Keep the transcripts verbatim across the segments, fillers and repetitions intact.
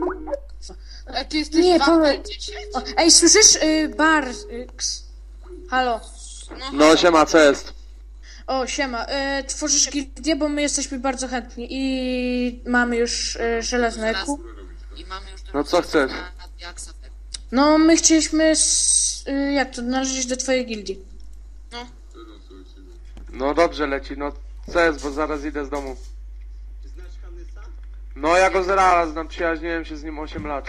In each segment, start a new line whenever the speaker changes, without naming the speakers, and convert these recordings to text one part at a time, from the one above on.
A ty jesteś
Nie,
dwa
Paweł.
dziesięć?
O, ej, słyszysz? Y, bar... Y, ks. Halo.
No siema, co jest?
O, siema. Y, tworzysz gildię, bo my jesteśmy bardzo chętni i mamy już y, żelazne eku.
I mamy już
No co chcesz?
No, my chcieliśmy... S, y, jak to? Należeć do twojej gildii.
No.
No dobrze leci, no co jest, bo zaraz idę z domu. No ja go zaraz znam, przyjaźniłem się z nim osiem lat.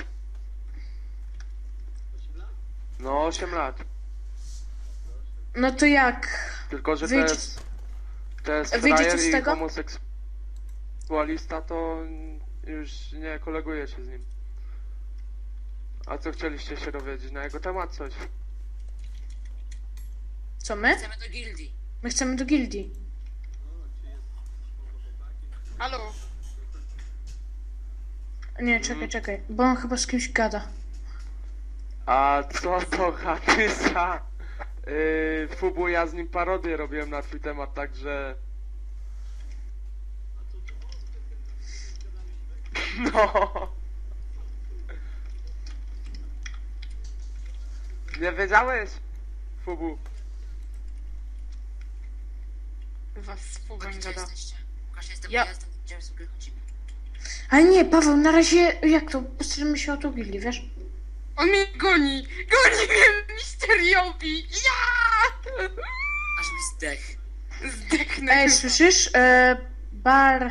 No osiem lat.
No to jak?
Tylko, że to
Wyjdzie-
jest... To jest
Wyjdzie
frajer
coś z
i
tego?
homoseksualista, to już nie koleguję się z nim. A co chcieliście się dowiedzieć na jego temat coś?
Co my?
Chcemy do gildii.
My chcemy do gildii.
Halo?
Nie, czekaj, czekaj, bo on chyba z kimś gada.
A co to Hatysa? Yy, Fubu, ja z nim parodię robiłem na twój temat, także... No. Nie wiedziałeś? Fubu.
Was z Fugą gada.
Łukasz, jestem,
Ja-
ja jestem, gdzie sobie chodzimy.
Ale nie, Paweł, na razie, jak to? Postaramy się o tą gildię, wiesz?
On mnie goni! Goni mnie misteriowi! Ja!
Aż mi zdech.
Zdechnę.
Ej,
chyba.
słyszysz? E, bar...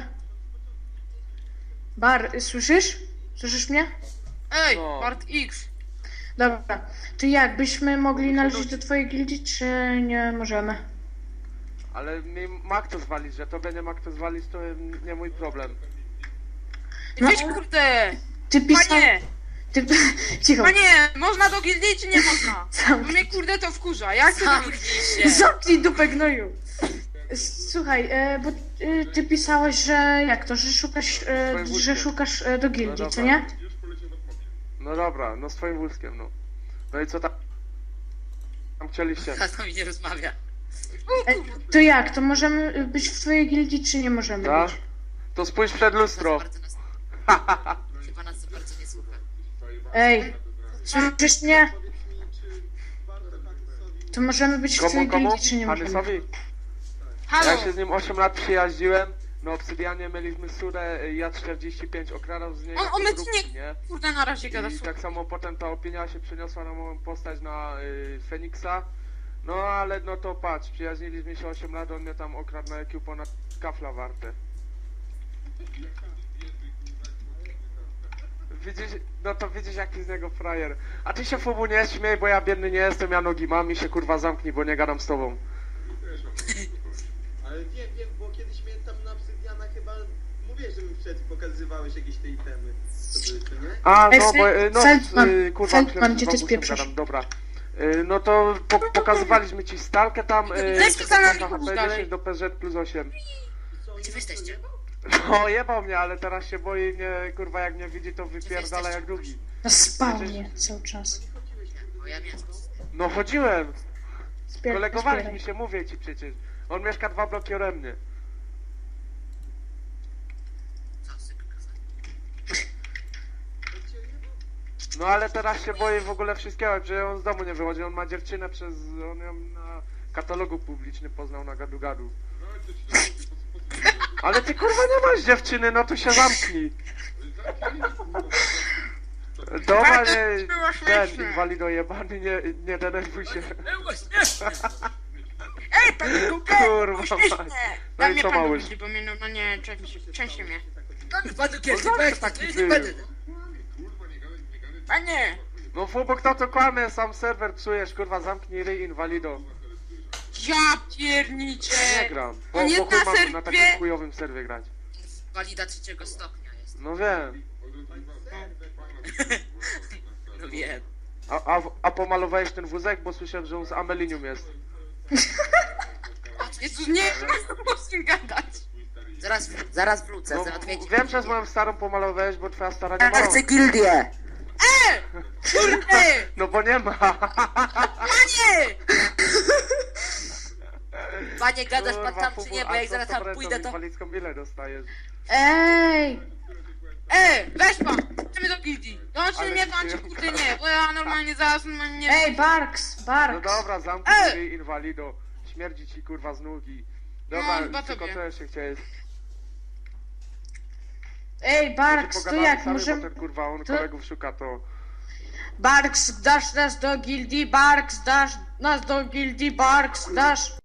Bar, słyszysz? Słyszysz mnie?
Ej,
No.
Bart X.
Dobra. To jak, byśmy mogli należeć do twojej gildii, czy nie możemy?
Ale mi ma kto zwalić, że tobie nie ma kto zwalić, to nie mój problem.
No.
Weź kurde!
Ty pisał...
Panie!
Ty... Cicho.
Panie! Można do gildii czy nie można? Bo
Zamknij.
mnie kurde to wkurza. Jak to do
Zamknij
gildii?
się.
Zamknij dupę gnoju. Słuchaj, e, bo e, ty pisałeś, że jak to, że szukasz, e,
Swoim
że
wózkiem.
szukasz e, do gildii,
No
co
dobra.
nie?
No dobra, no swoim wózkiem, no. No i co tam? Tam chcieliście?
A to mi nie rozmawia.
E, to jak, to możemy być w twojej gildii, czy nie możemy
Tak?
być?
To spójrz przed
Nas
lustro.
bardzo nas... Chyba nas za bardzo nie słucha.
Ej, słyszysz mnie? To możemy być w
Komu,
twojej
komu?
gildii, czy nie możemy?
Hanysowi?
Halo!
Ja się z nim osiem lat przyjaździłem. Na Obsydianie mieliśmy surę, ja czterdzieści pięć okradał z niego
On- on mnie
podróbki,
nie-
nie?
Kurde, na razie gada.
I tak samo potem ta opinia się przeniosła na moją postać na y, Feniksa. No ale no to patrz, przyjaźniliśmy się osiem lat, on mnie tam okradł na I Q ponad kafla warte. Widzisz, no to widzisz jaki z niego frajer. A ty się Fubu nie śmiej, bo ja biedny nie jestem, ja nogi mam i się kurwa zamknij, bo nie gadam z tobą.
Ale wiem, wiem, bo kiedyś mnie tam na Obsydiana chyba mówię, że mi przed pokazywałeś jakieś te itemy. To były, co nie?
A,
Ej,
no bo, y, no,
Feldman,
y, kurwa,
Feldman,
myślałem,
gdzie
że
ty
z bambusem
spieprzasz?
gadam, dobra. Y, No to po, pokazywaliśmy ci stalkę tam, y,
Weź
czekaj,
za nami,
na
chodź
H P
dalej.
dziesięć do P Z plus osiem.
Gdzie wy jesteście?
No jebał mnie, ale teraz się boi mnie, kurwa, jak mnie widzi, to wypierdala jak drugi.
Na spawnie cały czas.
Bo ja miałem.
No chodziłem,
Zbier-
kolegowaliśmy
zbieraj.
się, mówię ci przecież. On mieszka dwa bloki ode mnie.
Co chcę pokazać?
No ale teraz się boi w ogóle wszystkiego, że on z domu nie wychodzi, on ma dziewczynę przez... on ją na katalogu publicznym poznał na gadu gadu. Ale ty kurwa nie masz dziewczyny, no to się zamknij. Dobra, nie,
było
ten
śmieszne.
inwalido jebany, nie, nie denerwuj się.
Ej, panie Kukę!
Kurwa
Uśmiesznie!
mać. No
Daj
i
mnie
co
pan do
małyż?
gildii, bo mnie normalnie części, części mnie.
Panu kiedy
zawsze
pech,
taki
taki
był.
nie będę.
Panie!
No Fubo, kto to kłamie, sam serwer psujesz, kurwa zamknij ryj inwalido.
Ja pierniczę!
Nie gram, bo,
On
bo
jest
chuj
na
mam na takim
serwie!
chujowym serwie grać.
Walida trzeciego stopnia jest.
No wiem.
No wiem.
A, a, a pomalowałeś ten wózek, bo słyszałem, że on z amelinium jest.
Jezu, nie mam z nim gadać!
Zaraz, zaraz wrócę,
No,
za odwiedzi.
wiem, że z moją starą pomalowałeś, bo twoja stara nie
Ja
ma.
chcę gildię!
Kurde!
No bo nie ma.
Panie!
Panie, gadasz pan
Kurwa,
tam czy
Fubu,
nie, bo
a
jak
co
zaraz
z
tam
tabletą
pójdę to...
inwalidzką ile dostajesz?
Ej!
E, weź pan, idziemy do gildii. Dołączy
Ale
mnie pan,
się-
czy kurde nie, bo ja normalnie zaraz normalnie nie
Ej, Barks,
No
Barks.
dobra, zamknij
E!
się, inwalido. Śmierdzi ci kurwa z nógi. Dobra,
No, chyba
tylko
tobie.
co jeszcze chciałeś?
Ej, Barks, to
Pogadamy
jak
sami,
możemy...
bo ten kurwa, on
to-
kolegów szuka, to...
Barks, dasz nas do gildii, Barks, dasz nas do gildii, Barks, dasz...